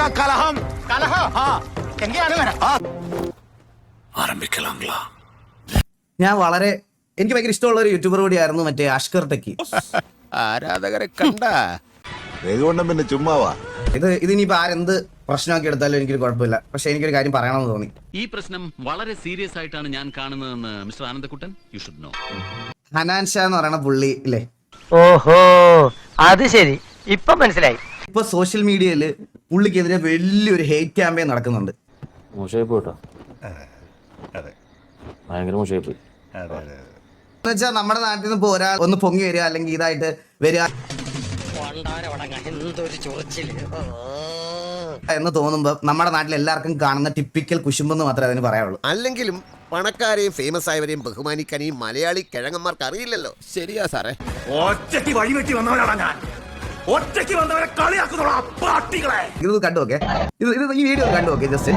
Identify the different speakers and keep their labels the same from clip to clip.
Speaker 1: കലഹം കലഹം
Speaker 2: ആരംഭിക്കലാംഗ്ലാ.
Speaker 3: ഞാൻ വളരെ എനിക്ക് ഭയങ്കര ഇഷ്ടമുള്ള ഒരു യൂട്യൂബർ കൂടിയായിരുന്നു മറ്റേ അഷ്കർ ടെക്കി.
Speaker 1: ആരാധകരെ കണ്ട
Speaker 4: പിന്നെ ചുമ്മാവാ
Speaker 3: ഇതിനിപ്പോ ആരെന്ത് പ്രശ്നമാക്കി എടുത്താലും എനിക്കൊരു കുഴപ്പമില്ല. പക്ഷെ എനിക്കൊരു കാര്യം പറയണമെന്ന് തോന്നി.
Speaker 5: ഈ പ്രശ്നം വളരെ സീരിയസ് ആയിട്ടാണ് ഞാൻ കാണുന്നതെന്ന് mister Anandakuttan you should know.
Speaker 3: Hanan Shah എന്ന് പറയുന്ന പുള്ളി ഇല്ലേ,
Speaker 6: ഓഹോ അത് ശരി, ഇപ്പൊ മനസ്സിലായി.
Speaker 3: ഇപ്പൊ സോഷ്യൽ മീഡിയയില് പുള്ളിക്കെതിരെ വലിയൊരു ഹെയ്റ്റ് ക്യാമ്പയിൻ നടക്കുന്നുണ്ട്.
Speaker 7: മോശമായി പോയിട്ടോ, ഭയങ്കര മോശമായി പോയി.
Speaker 3: എന്നുവെച്ചാൽ നമ്മുടെ നാട്ടിൽ നിന്ന് ഇപ്പൊ ഒരാൾ ഒന്ന് പൊങ്ങി വരിക അല്ലെങ്കിൽ ഇതായിട്ട് വരിക എന്ന് തോന്നുമ്പോ നമ്മുടെ നാട്ടിൽ എല്ലാവർക്കും കാണുന്ന ടിപ്പിക്കൽ കുശുമ്പെന്ന് മാത്രമേ അതിന് പറയാനുള്ളൂ.
Speaker 8: അല്ലെങ്കിലും പണക്കാരെയും ഫേമസ് ആയവരെയും ബഹുമാനിക്കാൻ ഈ മലയാളി കിഴങ്ങന്മാർക്ക് അറിയില്ലല്ലോ.
Speaker 1: ശരിയാ സാറേ.
Speaker 2: ഒറ്റയ്ക്ക് വഴിവെട്ടി വന്നവരാണ് ഞാൻ. ഒറ്റയ്ക്ക് വന്നവരെ കളിയാക്കുന്നുള്ള പാട്ടികളെ.
Speaker 3: ഇത് കണ്ടുനോക്കേ, ഇത് ഈ വീഡിയോ കണ്ടുനോക്കേ ജസ്റ്റ്.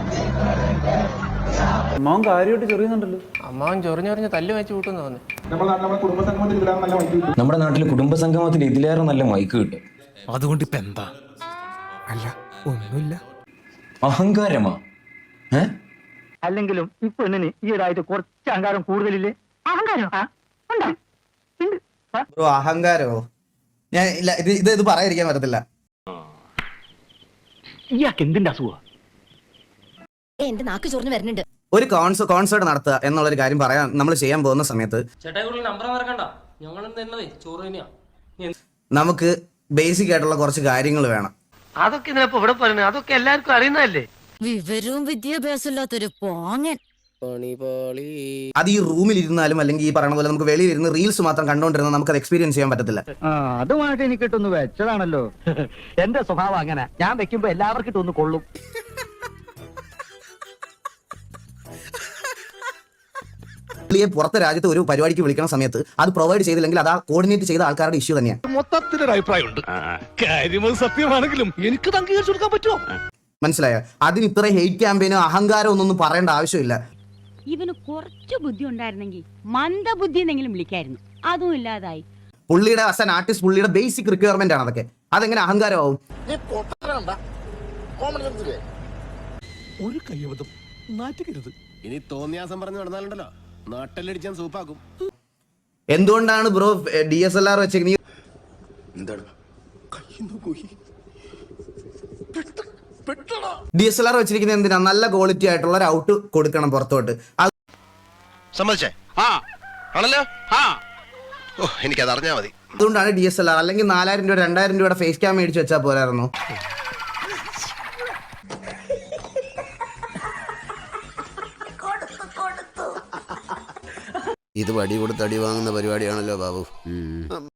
Speaker 9: അമ്മാവൻ കാര്യമായിട്ട് ചെറിയുന്നുണ്ടല്ലോ.
Speaker 6: അമ്മാവൻ ചൊറിഞ്ഞൊറിഞ്ഞ് തല്ല് വെച്ച് കൂട്ടുന്നു തോന്നി.
Speaker 7: നമ്മുടെ നാട്ടിൽ കുടുംബസംഗമത്തിൽ ഇതിലേറെ നല്ല മൈക്ക് കിട്ടും.
Speaker 2: അതുകൊണ്ട് ഇപ്പൊ എന്താ? അല്ല ഒന്നുമില്ല.
Speaker 7: അഹങ്കാരമാ.
Speaker 6: അല്ലെങ്കിലും ഈ പെണ്ണിന് ഈയിടായിട്ട് കുറച്ച് അഹങ്കാരം കൂടുതലില്ലേ? അഹങ്കാരം
Speaker 3: ബ്രോ അഹങ്കാരമോ? ഞാൻ ഇല്ല, ഇത് പറയാതിരിക്കാൻ പറ്റത്തില്ല.
Speaker 6: ഇയാൾക്ക് എന്തിന്റെ അസുഖ?
Speaker 10: എന്റെ നാക്ക് ചൊറിഞ്ഞു വരുന്നുണ്ട്.
Speaker 3: ഒരു കോൺസേർട്ട് നടത്തുക എന്നുള്ളൊരു കാര്യം പറയാൻ നമ്മൾ ചെയ്യാൻ പോകുന്ന സമയത്ത് നമുക്ക് ബേസിക് ആയിട്ടുള്ള കുറച്ച് കാര്യങ്ങൾ വേണം.
Speaker 6: അതൊക്കെ ഇതിനപ്പോ ഇവിടെ പറയുന്നത് അതൊക്കെ എല്ലാവർക്കും അറിയുന്നതല്ലേ.
Speaker 10: വിവരവും വിദ്യാഭ്യാസം ഇല്ലാത്തൊരു പോങ്ങൻ.
Speaker 3: അത് ഈ റൂമിൽ ഇരുന്നാലും അല്ലെങ്കിൽ ഈ പറയുന്ന പോലെ നമുക്ക് വെളിയിൽ ഇരുന്ന് റീൽസ് മാത്രം കണ്ടുകൊണ്ടിരുന്ന നമുക്ക് അത് എക്സ്പീരിയൻസ് ചെയ്യാൻ പറ്റത്തില്ല.
Speaker 6: അതുമായിട്ട് എനിക്ക് ഇട്ടൊന്ന് വെച്ചതാണല്ലോ. എന്റെ സ്വഭാവം അങ്ങനെ, ഞാൻ വെക്കുമ്പോ എല്ലാവർക്കും ഇട്ടൊന്ന് കൊള്ളും.
Speaker 3: പുള്ളിയെ പുറത്തെ രാജ്യത്ത് ഒരു പരിപാടിക്ക് വിളിക്കുന്ന സമയത്ത് അത് പ്രൊവൈഡ് ചെയ്തില്ലെങ്കിൽ അത് ആ കോർഡിനേറ്റ് ചെയ്ത ആൾക്കാരുടെ ഇഷ്യൂ തന്നെയാണ്.
Speaker 2: മൊത്തത്തിലൊരു അഭിപ്രായമുണ്ട്. കാര്യം സത്യമാണെങ്കിലും എനിക്ക് അംഗീകരിച്ചു കൊടുക്കാൻ പറ്റുമോ?
Speaker 3: മനസ്സിലായോ? അതിന് ഇത്ര ഹെയ്റ്റ് ക്യാമ്പയിനോ അഹങ്കാരം ഒന്നും പറയേണ്ട ആവശ്യമില്ല.
Speaker 10: ഇവന് കുറച്ച് ബുദ്ധി ഉണ്ടായിരുന്നെങ്കിൽ മന്ദബുദ്ധി എന്നെങ്കിലും വിളിക്കായിരുന്നു. അതും ഇല്ലാതായി.
Speaker 3: പുള്ളിയുടെ ആസ് ആൻ ആർട്ടിസ്റ്റ് പുള്ളിയുടെ ബേസിക് റിക്വയർമെന്റ് ആണ് അതൊക്കെ. അതെങ്ങനെ അഹങ്കാരമാവും?
Speaker 2: ഒരു കയ്യബദ്ധം നാറ്റുകരുത്.
Speaker 8: ഇനി തോന്നിയാസം പറഞ്ഞു നടന്നാലുണ്ടല്ലോ നാട്ടിലടിച്ചാൻ സൂപ്പാക്കും.
Speaker 3: എന്തുകൊണ്ടാണ് ബ്രോ DSLR വെച്ചേക്കുന്നത്? DSLR വെച്ചിരിക്കുന്നത് എന്തിനാ? നല്ല ക്വാളിറ്റി ആയിട്ടുള്ള ഒരു ഔട്ട് കൊടുക്കണം പുറത്തോട്ട്.
Speaker 8: സമ്മതിച്ചേ? എനിക്കത് അറിഞ്ഞാ മതി.
Speaker 3: അതുകൊണ്ടാണ് DSLR. അല്ലെങ്കിൽ 4000 രൂപ 2000 രൂപയുടെ ഫേസ് ക്യാം മേടിച്ച് വെച്ചാൽ പോരായിരുന്നു?
Speaker 8: ഇത് വടി കൊടുത്ത് അടി വാങ്ങുന്ന പരിപാടിയാണല്ലോ ബാബു.